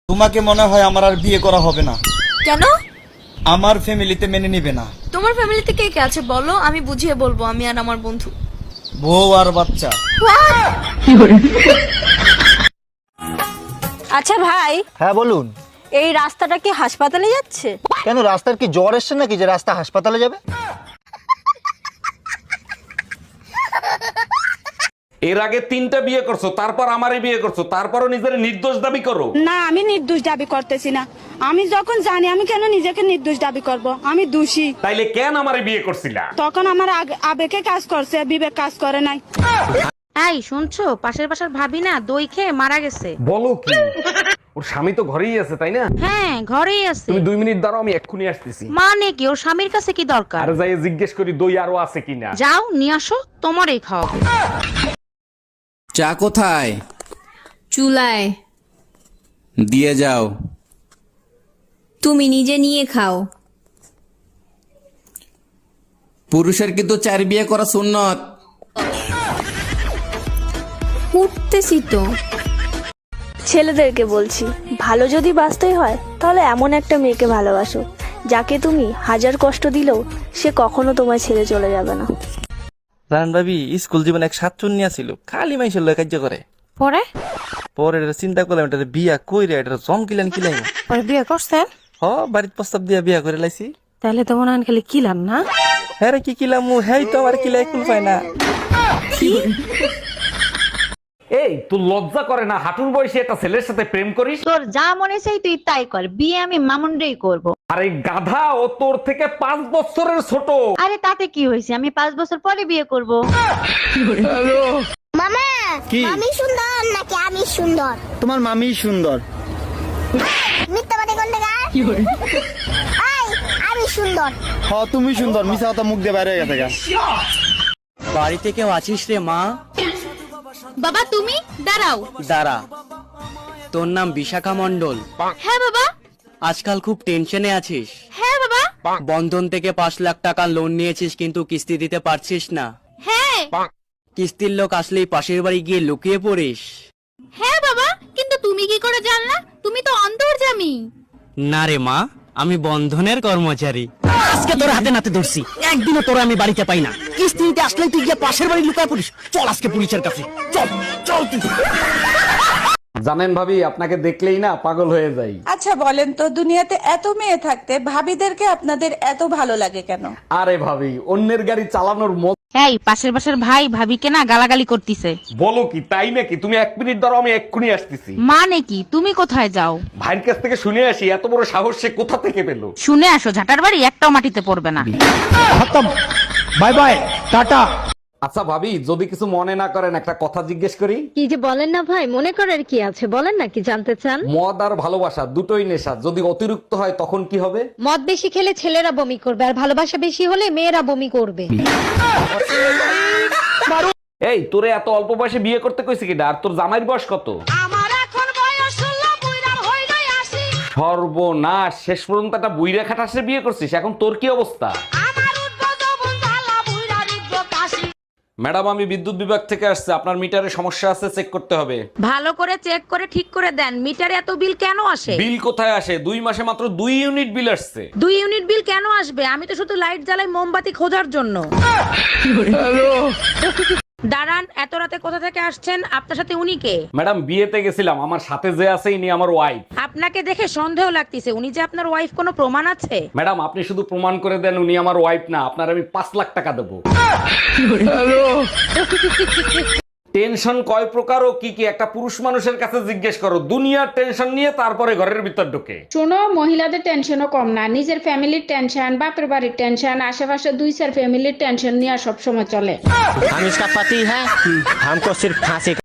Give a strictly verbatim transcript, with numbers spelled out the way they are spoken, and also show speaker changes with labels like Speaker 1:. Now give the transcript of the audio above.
Speaker 1: তোমাকে মনে হয় আমার আর বিয়ে করা হবে না।
Speaker 2: কেন?
Speaker 1: আমার ফ্যামিলিতে মেনে নিবে না।
Speaker 2: তোমার ফ্যামিলিতে কে কে আছে বলো, আমি বুঝিয়ে বলবো, আমি আর আমার বন্ধু।
Speaker 1: বউ আর বাচ্চা।
Speaker 3: আচ্ছা ভাই,
Speaker 4: হ্যাঁ বলুন।
Speaker 3: এই রাস্তাটা কি হাসপাতালে যাচ্ছে?
Speaker 4: কেন, রাস্তার কি জ্বর এসছে নাকি যে রাস্তা হাসপাতালে যাবে?
Speaker 5: এর আগে তিনটা বিয়ে করছো, তারপর আমারে বিয়ে করছো, তারপরও নিজের নির্দোষ দাবি করো।
Speaker 6: না, আমি নির্দোষ দাবি করতেছি না। আমি যখন জানি, আমি কেন নিজেকে নির্দোষ দাবি করব? আমি দোষী।
Speaker 5: তাইলে কেন আমারে বিয়ে করছিলা?
Speaker 6: তখন আমার আগ- আবেগে কাজ করছে, বিবেক কাজ করে নাই।
Speaker 7: এই শুনছো, পাশের বাসার ভাবি না দই খেয়ে মারা গেছে।
Speaker 5: বলো কি? ওর স্বামী তো ঘরেই আছে, তাই না?
Speaker 7: হ্যাঁ ঘরেই আছে।
Speaker 5: তুমি দুই মিনিট দাঁড়াও, আমি এক্ষুনি আসতেছি।
Speaker 7: মানে কি, ওর স্বামীর কাছে কি দরকার?
Speaker 5: আর যাই জিজ্ঞেস করি দই আরো আছে কিনা।
Speaker 7: যাও নিয়ে আসো, তোমারই খাওয়াবো।
Speaker 8: চা কোথায়?
Speaker 9: চুলায়।
Speaker 8: দিয়ে যাও।
Speaker 9: তুমি নিজে নিয়ে খাও।
Speaker 8: পুরুষের কিন্তু চার বিয়ে করা সুন্নত।
Speaker 9: উঠতেছি তো।
Speaker 3: ছেলেদেরকে বলছি, ভালো যদি বাঁচতেই হয় তাহলে এমন একটা মেয়েকে ভালোবাসো যাকে তুমি হাজার কষ্ট দিলেও সে কখনো তোমায় ছেড়ে চলে যাবে না।
Speaker 10: জান ভাবি, স্কুল জীবনে এক সাতচুন্নিয়া ছিল, খালি মাইসের লয় কার্য করে।
Speaker 7: পরে
Speaker 10: পরে এটা চিন্তা করলাম, এটা বিয়া কইরে এটা জম কিলান কিলাই।
Speaker 7: পরে বিয়ে করছেন?
Speaker 10: হ, বাড়ির প্রস্তাব দিয়া বিয়া করে লাইছি।
Speaker 7: তাহলে তো মনে হয় খালি কিলাম না।
Speaker 10: হ্যাঁ রে, কি কিলাম, হ্যাঁ তো আমার কিলাই কুল পায় না।
Speaker 5: এই তোর লজ্জা করে না হাঁটুর বয়সে একটা ছেলের সাথে প্রেম করিস?
Speaker 11: তোর যা মনে চাই তুই তাই কর, বিয়ে আমি মামুনরেই করব।
Speaker 5: আরে গাধা, ও তোর থেকে পাঁচ বছরের ছোট।
Speaker 11: আরে তাতে কি হয়েছে, আমি পাঁচ বছর পরে বিয়ে করব।
Speaker 12: মামা,
Speaker 4: কি?
Speaker 12: আমি সুন্দর নাকি আমি সুন্দর?
Speaker 4: তোমার মামি সুন্দর।
Speaker 12: মিথ্যাবাদী কোনটা? এই, আমি সুন্দর।
Speaker 4: হ, তুমি সুন্দর। মিছা কথা মুখ দিয়ে বাইরে হয়ে গেছে গা।
Speaker 10: বাড়িতে কেউ আছিস রে মা?
Speaker 2: বাবা তুমি দাঁড়াও।
Speaker 10: দাঁড়া, তোর নাম বিশাখা মন্ডল?
Speaker 2: হ্যাঁ বাবা।
Speaker 10: আজকাল খুব টেনশনে আছিস?
Speaker 2: হ্যাঁ বাবা।
Speaker 10: বন্ধন থেকে পাঁচ লাখ টাকা লোন নিয়েছিস কিন্তু কিস্তি দিতে পারছিস না।
Speaker 2: হ্যাঁ।
Speaker 10: কিস্তির লোক আসলেই পাশের বাড়ি গিয়ে লুকিয়ে পড়িস।
Speaker 2: হ্যাঁ বাবা, কিন্তু তুমি কি করে জানলা? তুমি তো অন্তর্যামী।
Speaker 10: না রে মা, আমি বন্ধনের কর্মচারী। আজকে তোর হাতে নাতে ধরছি, একদিনও তোরা আমি বাড়িতে পাই না। কিস্তি দিতে আসলেই তুই গিয়ে পাশের বাড়ি লুকায় পড়িস। চল আজকে পুলিশের কাছে, চল চল তুই।
Speaker 5: জানেন ভাবি, আপনাকে দেখলেই না পাগল হয়ে যাই।
Speaker 6: আচ্ছা বলেন তো, দুনিয়াতে এত মেয়ে থাকতে ভাবিদেরকে আপনাদের এত ভালো লাগে কেন?
Speaker 5: আরে ভাবি, অন্যের গাড়ি চালানোর মত।
Speaker 7: এই পাশের বাসার ভাই ভাবিকে না গালাগালি করতিছে।
Speaker 5: বলো কি, তাই নাকি? তুমি এক মিনিট দাঁড়াও, আমি এক্ষুনি আসতেছি।
Speaker 7: মানে কি, তুমি কোথায় যাও?
Speaker 5: ভাইয়ের কাছ থেকে শুনে আসি, এত বড় সাহস সে কোথা থেকে পেলো।
Speaker 7: শুনে আসো, ঝাটার বাড়ি একটাও মাটিতে পড়বে না।
Speaker 4: Bye bye, tata.
Speaker 5: আচ্ছা ভাবি, যদি কিছু মনে না করেন একটা কথা জিজ্ঞেস করি।
Speaker 11: কি যে বলেন না ভাই, মনে করার কি আছে, বলেন না কি জানতে চান?
Speaker 5: মদ আর ভালোবাসা দুটোই নেশা, যদি অতিরিক্ত হয় তখন কি হবে?
Speaker 11: মদ বেশি খেলে ছেলেরা বমি করবে, আর ভালোবাসা বেশি হলে মেয়েরা বমি করবে।
Speaker 5: এই তোরে এত অল্প বয়সে বিয়ে করতে কইছে কিনা? আর তোর জামাইয়ের বয়স কত?
Speaker 2: আমার এখন বয়স ষোলো, বুইড়া হইলাই আসি।
Speaker 5: সর্বনাশ, শেষ পর্যন্ত একটা বুইরা খাটাসে বিয়ে করছিস, এখন তোর কি অবস্থা?
Speaker 2: আমার উঠবো যৌবন জ্বালা, বুইড়া রিখবো কাশি।
Speaker 5: ম্যাডাম, আমি বিদ্যুৎ বিভাগ থেকে আসছে, আপনার মিটারে সমস্যা আছে, চেক করতে হবে।
Speaker 7: ভালো করে চেক করে ঠিক করে দেন, মিটারে এত বিল কেন আসে?
Speaker 5: বিল কোথায় আসে? দুই মাসে মাত্র দুই ইউনিট বিল আসছে।
Speaker 7: দুই ইউনিট বিল কেন আসবে? আমি তো শুধু লাইট জ্বালাই মোমবাতি খোঁজার জন্য। দাঁড়ান, এত রাতে কোথা থেকে আসছেন? আপনার সাথে উনি কে?
Speaker 5: ম্যাডাম, বিয়েতে গেছিলাম, আমার সাথে যে আছে ইনি আমার ওয়াইফ।
Speaker 7: আপনাকে দেখে সন্দেহ লাগতেছে, উনি যে আপনার ওয়াইফ, কোনো প্রমাণ আছে?
Speaker 5: ম্যাডাম, আপনি শুধু প্রমাণ করে দেন উনি আমার ওয়াইফ না, আপনার আমি পাঁচ লাখ টাকা দেবো। টেনশন কয় প্রকার ও কি কি একটা পুরুষ মানুষের কাছে জিজ্ঞেস করো। দুনিয়ার টেনশন নিয়ে তারপরে ঘরের ভিতর ঢোকে।
Speaker 6: শোনো, মহিলাদের টেনশনও কম না। নিজের ফ্যামিলির টেনশন, বাপের বাড়ির টেনশন, আশেপাশে দুই চার ফ্যামিলির টেনশন নিয়ে সব সময় চলে।
Speaker 10: हम इसका पति है, हमको सिर्फ फांसी